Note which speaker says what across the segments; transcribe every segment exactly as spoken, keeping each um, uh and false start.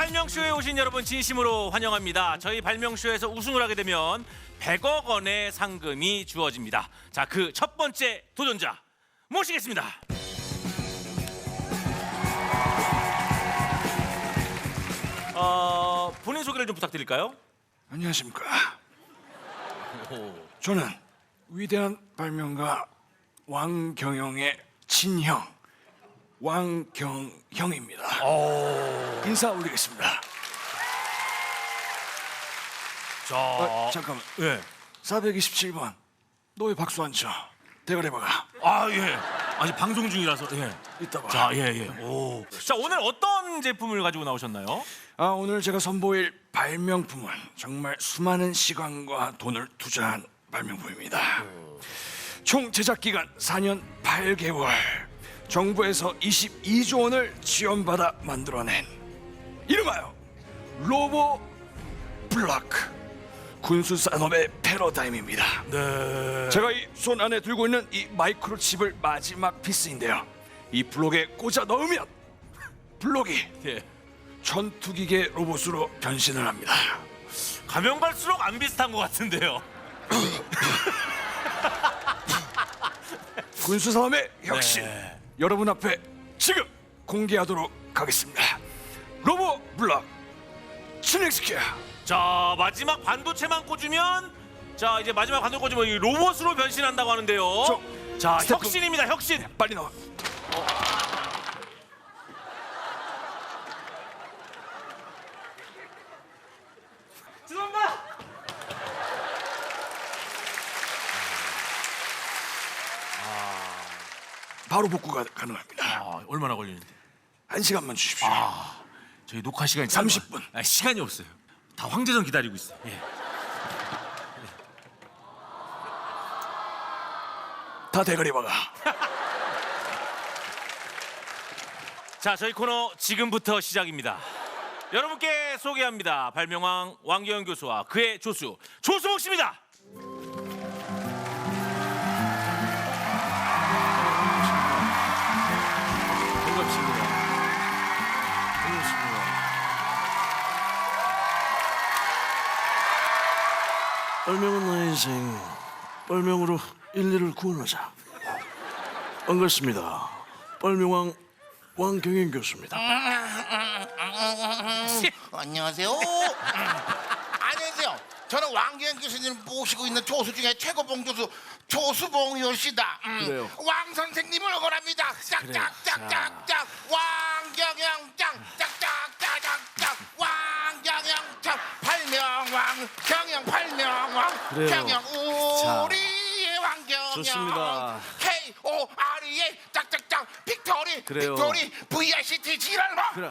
Speaker 1: 발명쇼에 오신 여러분 진심으로 환영합니다. 저희 발명쇼에서 우승을 하게 되면 백억 원의 상금이 주어집니다. 자, 그 첫 번째 도전자 모시겠습니다. 어, 본인 소개를 좀 부탁드릴까요?
Speaker 2: 안녕하십니까.
Speaker 1: 오.
Speaker 2: 저는 위대한 발명가 왕경영의 친형 왕경형입니다.
Speaker 1: 오.
Speaker 2: 인사 올리겠습니다.
Speaker 1: 자,
Speaker 2: 아, 잠깐만.
Speaker 1: 예.
Speaker 2: 사백이십칠 번. 너 왜 박수 안 쳐? 대가리 박아.
Speaker 1: 아, 예. 아직 방송 중이라서. 예.
Speaker 2: 이따 봐.
Speaker 1: 자, 예, 예. 오. 자, 오늘 어떤 제품을 가지고 나오셨나요?
Speaker 2: 아, 오늘 제가 선보일 발명품은 정말 수많은 시간과 돈을 투자한 발명품입니다. 총 제작 기간 사 년 팔 개월. 정부에서 이십이조 원을 지원받아 만들어낸 이름하여 로보 블락 군수 산업의 패러다임입니다.
Speaker 1: 네.
Speaker 2: 제가 이 손 안에 들고 있는 이 마이크로칩을 마지막 피스인데요. 이 블록에 꽂아 넣으면 블록이
Speaker 1: 예.
Speaker 2: 전투기계 로봇으로 변신을 합니다.
Speaker 1: 가면 갈수록 안 비슷한 것 같은데요.
Speaker 2: 군수 산업의 혁신
Speaker 1: 네.
Speaker 2: 여러분 앞에 지금 공개하도록 하겠습니다. 로보 블락 스낵스퀘어.
Speaker 1: 자, 마지막 반도체만 꽂으면, 자, 이제 마지막 반도체 꽂으면 이 로봇으로 변신한다고 하는데요.
Speaker 2: 저,
Speaker 1: 자,
Speaker 2: 스태프-
Speaker 1: 혁신입니다, 혁신.
Speaker 2: 빨리 나와.
Speaker 1: 죄송합니다.
Speaker 2: 바로 복구가 가능합니다.
Speaker 1: 아, 얼마나 걸리는데?
Speaker 2: 한 시간만 주십시오.
Speaker 1: 아, 저희 녹화 시간이
Speaker 2: 삼십 분.
Speaker 1: 짧아. 아, 시간이 없어요. 다 황제전 기다리고 있어요. 예.
Speaker 2: 다 대가리 박아.
Speaker 1: 자, 저희 코너 지금부터 시작입니다. 여러분께 소개합니다. 발명왕 왕경영 교수와 그의 조수 조수복 씨입니다. 반갑습니다. 반갑습니다.
Speaker 3: 발명은 나의 인생. 발명으로 인류를 구원하자. 반갑습니다. 발명왕 왕경영 교수입니다.
Speaker 4: 안녕하세요. 안녕하세요. 저는 왕경영 교수님을 모시고 있는 조수 중에 최고봉 조수 조수봉 씨다. 음,
Speaker 3: 그래요.
Speaker 4: 왕 선생님을 응원합니다. 짝짝짝짝짝 왕경영 짱 짝짝짝짝짝 왕경영 짱 발명왕 경영 발명왕
Speaker 3: 그래요.
Speaker 4: 경영
Speaker 3: 자,
Speaker 4: 우리의 왕경영
Speaker 3: 좋습니다.
Speaker 4: K O R E A 짝짝짝 빅토리
Speaker 3: 그래요.
Speaker 4: 빅토리 V I C T 지랄마
Speaker 3: 그래.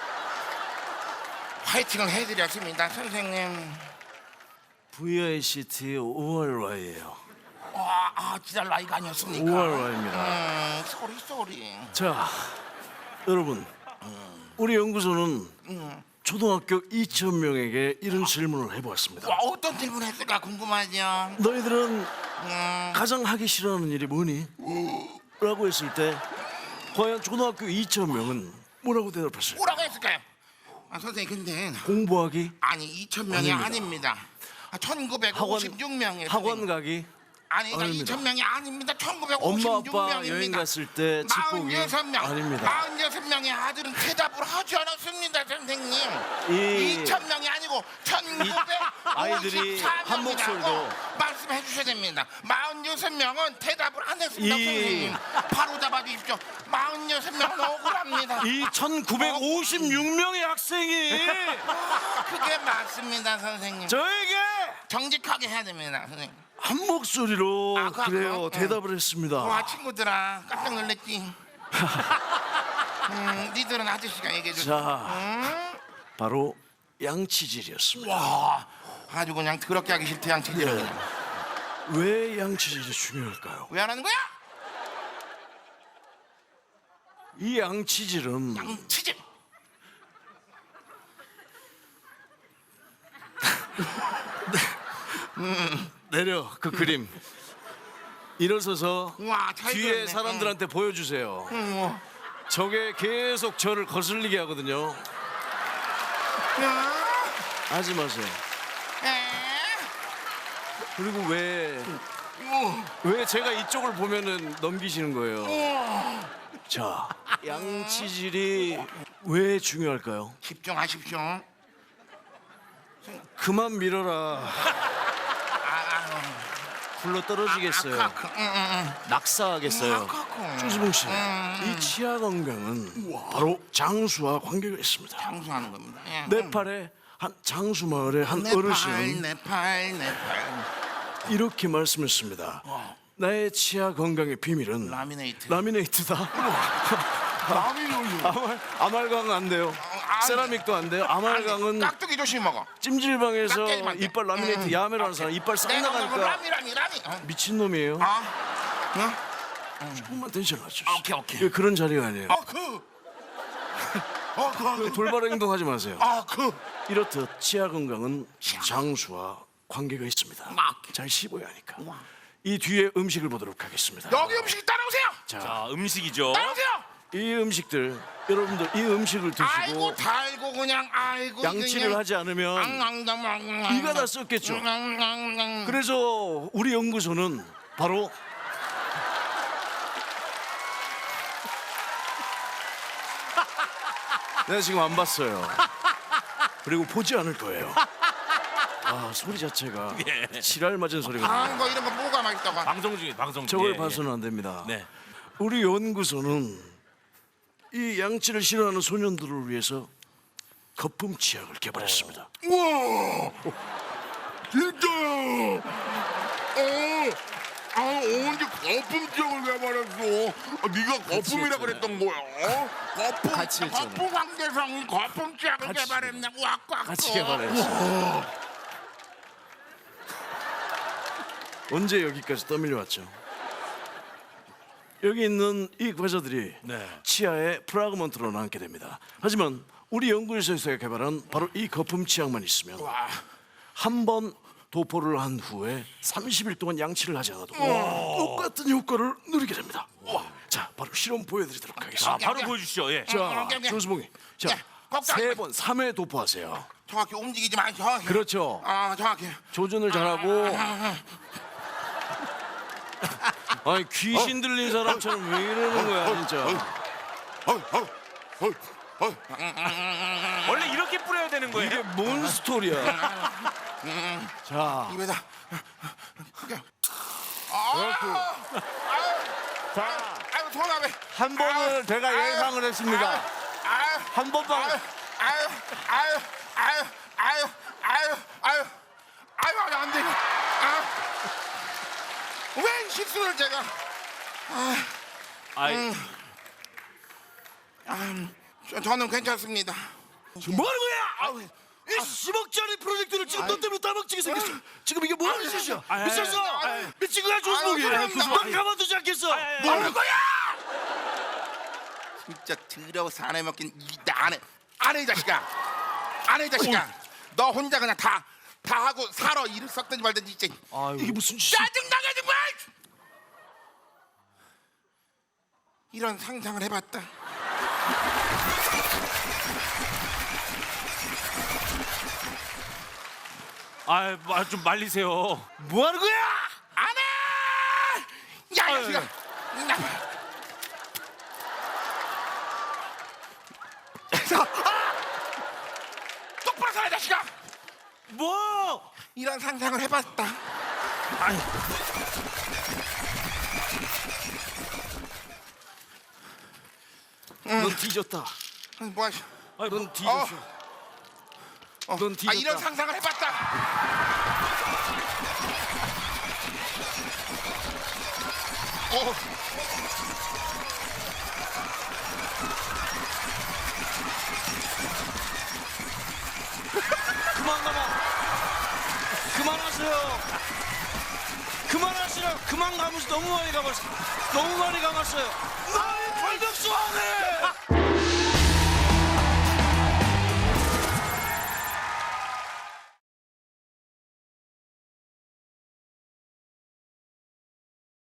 Speaker 4: 화이팅을 해드렸습니다, 선생님.
Speaker 3: 브이 아이 씨 티 오월 와이예요.
Speaker 4: 아, 아 지랄 나이가 아니었습니까?
Speaker 3: 오월 와이입니다.
Speaker 4: 음, 쏘리 쏘리.
Speaker 3: 자, 여러분, 우리 연구소는 초등학교 이천 명에게 이런 질문을 해보았습니다.
Speaker 4: 와, 어떤 질문 했을까 궁금하죠.
Speaker 3: 너희들은
Speaker 4: 음,
Speaker 3: 가장 하기 싫어하는 일이 뭐니? 라고 했을 때 과연 초등학교 이천 명은 뭐라고 대답했어요?
Speaker 4: 뭐라고 했을까요? 아, 선생님 근데
Speaker 3: 공부하기,
Speaker 4: 아니 이천 명이
Speaker 3: 아닙니다.
Speaker 4: 아닙니다. 아, 천구백오십육 명이에요.
Speaker 3: 학원 가기,
Speaker 4: 아니, 나
Speaker 3: 아닙니다.
Speaker 4: 이천 명이 아닙니다.
Speaker 3: 엄마
Speaker 4: 천구백오십육 명입니다.
Speaker 3: 아빠 여행 갔을 때 집 보기
Speaker 4: 마흔여섯 명.
Speaker 3: 아닙니다.
Speaker 4: 마흔여섯 명의 아들은 대답을 하지 않았습니다, 선생님.
Speaker 3: 이
Speaker 4: 이천 명이 아니고
Speaker 3: 아이들이
Speaker 4: 천구백오십사
Speaker 3: 한 목소리로
Speaker 4: 명이라고 말씀해 주셔야 됩니다. 마흔여섯 명은 대답을 안 했습니다,
Speaker 3: 이-
Speaker 4: 선생님. 바로 잡아 주십시오. 마흔여섯 명은 억울합니다.
Speaker 3: 이 천구백오십육 명의 학생이
Speaker 4: 그게 맞습니다, 선생님.
Speaker 3: 저에게
Speaker 4: 정직하게 해야 됩니다, 선생님.
Speaker 3: 한 목소리로
Speaker 4: 아, 그,
Speaker 3: 그래요
Speaker 4: 그,
Speaker 3: 대답을 했습니다.
Speaker 4: 와, 친구들아, 깜짝 놀랬지. 음, 니들은 아저씨가 얘기해 줘.
Speaker 3: 자, 바로 양치질이었습니다.
Speaker 4: 와, 아주 그냥 더럽게 하기 싫대, 양치질.
Speaker 3: 예. 왜 양치질이 중요할까요?
Speaker 4: 왜 안 하는 거야?
Speaker 3: 이 양치질은
Speaker 4: 양치질.
Speaker 3: 내려 그 그림 일어서서
Speaker 4: 와, 잘
Speaker 3: 뒤에
Speaker 4: 그렸네.
Speaker 3: 사람들한테 보여주세요.
Speaker 4: 응, 뭐.
Speaker 3: 저게 계속 저를 거슬리게 하거든요. 하지 마세요. 그리고 왜, 왜 제가 이쪽을 보면은 넘기시는 거예요? 자, 양치질이 왜 중요할까요?
Speaker 4: 집중하십시오.
Speaker 3: 그만 밀어라. 굴러 떨어지겠어요.
Speaker 4: 아카크, 응, 응, 응.
Speaker 3: 낙사하겠어요.
Speaker 4: 아카크.
Speaker 3: 조수봉 씨, 이 치아 건강은 바로 장수와 관계가 있습니다.
Speaker 4: 장수하는 겁니다. 예.
Speaker 3: 네팔의 한 장수 마을의 한
Speaker 4: 네팔,
Speaker 3: 어르신은
Speaker 4: 네팔, 네팔.
Speaker 3: 이렇게 말씀했습니다. 나의 치아 건강의 비밀은
Speaker 4: 라미네이트.
Speaker 3: 라미네이트다.
Speaker 4: 라미네이트.
Speaker 3: 아말, 아말강 안 돼요.
Speaker 4: 안
Speaker 3: 세라믹도 안 돼요. 아말강은
Speaker 4: 깍두기 조심 먹어.
Speaker 3: 찜질방에서
Speaker 4: 깍두기만 돼.
Speaker 3: 이빨 라미네이트
Speaker 4: 음,
Speaker 3: 야매로 하는
Speaker 4: 오케이.
Speaker 3: 사람 이빨 싹
Speaker 4: 내가 먹은
Speaker 3: 나가니까
Speaker 4: 라미, 라미, 라미. 어.
Speaker 3: 미친놈이에요.
Speaker 4: 아, 응?
Speaker 3: 조금만 텐션 낮추시오.
Speaker 4: 오케이, 오케이.
Speaker 3: 이게 그런 자리가 아니에요.
Speaker 4: 아, 그. 아, 그.
Speaker 3: 돌발 행동하지 마세요.
Speaker 4: 아, 그.
Speaker 3: 이렇듯 치아 건강은 장수와 관계가 있습니다.
Speaker 4: 막.
Speaker 3: 잘 씹어야 하니까. 이 뒤에 음식을 보도록 하겠습니다.
Speaker 4: 여기 음식이 따라오세요.
Speaker 1: 자, 음식이죠.
Speaker 4: 따라오세요.
Speaker 3: 이 음식들 여러분들 이 음식을 드시고
Speaker 4: 아이고 달고 그냥 아이고
Speaker 3: 양치를
Speaker 4: 그냥.
Speaker 3: 하지 않으면
Speaker 4: 앙앙당앙.
Speaker 3: 이가 다 썩겠죠.
Speaker 4: 앙앙앙.
Speaker 3: 그래서 우리 연구소는 바로 내가 지금 안 봤어요. 그리고 보지 않을 거예요. 아 소리 자체가
Speaker 1: 예.
Speaker 3: 지랄 맞은 소리가
Speaker 4: 아,
Speaker 3: 나요.
Speaker 4: 뭐 이런 거 뭐가 맛있다고.
Speaker 1: 방송 중에 방송 중에.
Speaker 3: 저걸
Speaker 1: 예,
Speaker 3: 봐서는 안 됩니다.
Speaker 1: 네.
Speaker 3: 우리 연구소는 이 양치를 싫어하는 소년들을 위해서 거품 치약을 개발했습니다.
Speaker 4: 우와 진짜요. 어. 아 언제 거품장을 개발했어? 아, 네가 거품이라
Speaker 3: 했잖아요.
Speaker 4: 그랬던 거야. 어? 거품.
Speaker 3: 같이 했잖아요.
Speaker 4: 거품 황대성이 거품장을
Speaker 3: 같이.
Speaker 4: 개발했네. 우와 꽉.
Speaker 3: 같이 개발했어요. 언제 여기까지 떠밀려 왔죠? 여기 있는 이 과자들이
Speaker 1: 네.
Speaker 3: 치아에 프라그먼트로 남게 됩니다. 하지만 우리 연구소에서 개발한 바로 이 거품 치약만 있으면 한 번 도포를 한 후에 삼십 일 동안 양치를 하지 않아도 똑같은 효과를 누리게 됩니다. 자, 바로 실험 보여드리도록
Speaker 1: 자,
Speaker 3: 하겠습니다.
Speaker 1: 바로 보여주시죠. 예.
Speaker 3: 자,
Speaker 4: 야, 야.
Speaker 3: 조수봉이,
Speaker 4: 야,
Speaker 3: 자,
Speaker 4: 걱정
Speaker 3: 세
Speaker 4: 마.
Speaker 3: 번, 삼 회 도포하세요.
Speaker 4: 정확히 움직이지 마. 정확히.
Speaker 3: 그렇죠.
Speaker 4: 아 정확히.
Speaker 3: 조준을 잘하고. 아니 귀신 들린 사람처럼 왜 이러는 거야 진짜.
Speaker 1: 원래 이렇게 뿌려야 되는 거예요.
Speaker 3: 이게 뭔 스토리야. 자,
Speaker 4: 입에다.
Speaker 3: 자,
Speaker 4: 아유 손아배.
Speaker 3: 한 번을 제가
Speaker 4: 아유,
Speaker 3: 예상을 했습니다.
Speaker 4: 아유.
Speaker 3: 한 번만.
Speaker 4: 아유, 아유, 아유, 아유, 아유, 아유, 아유, 아유, 안 돼. 아, 왜 실수를 제가?
Speaker 1: 아이,
Speaker 4: 아, 저, 저는 괜찮습니다.
Speaker 3: 지금 뭐 하는 거야? 이 십억짜리 프로젝트를 지금 너 때문에 따먹지게 생겼어. 지금 이게 뭐 하는 짓이야? 미쳤어? 미친 거야 조수봉이?
Speaker 4: 아유, 그럼
Speaker 3: 넌 가만두지 않겠어.
Speaker 4: 뭐 하는 거야? 진짜 더러워 사내 먹긴 이나 안해 안해 이 자식아 안해 이 자식아 너 혼자 그냥 다 다 하고 살아 일을 썩든지 말든지 진짜
Speaker 3: 이게 무슨 짓이야?
Speaker 4: 짜증나게 정말 이런 상상을 해봤다.
Speaker 1: 아, 말 좀 말리세요.
Speaker 3: 뭐 하는 거야?
Speaker 4: 안해 야이
Speaker 1: 아유,
Speaker 4: 자식아 똑바로 살아 이 자식아
Speaker 1: 뭐?
Speaker 4: 이런 상상을 해봤다.
Speaker 1: 아니,
Speaker 3: 넌 뒤졌다.
Speaker 4: 뭐 하시?
Speaker 1: 아니,
Speaker 3: 넌 뒤졌어.
Speaker 4: 어,
Speaker 3: 넌
Speaker 4: 아
Speaker 3: 뒤졌다.
Speaker 4: 이런 상상을 해봤다. 어.
Speaker 3: 그만 감아. 그만하세요. 그만하시라. 그만 감으시 너무 많이 감았어. 너무 많이 감았어요. 나의 발덕수 안 해.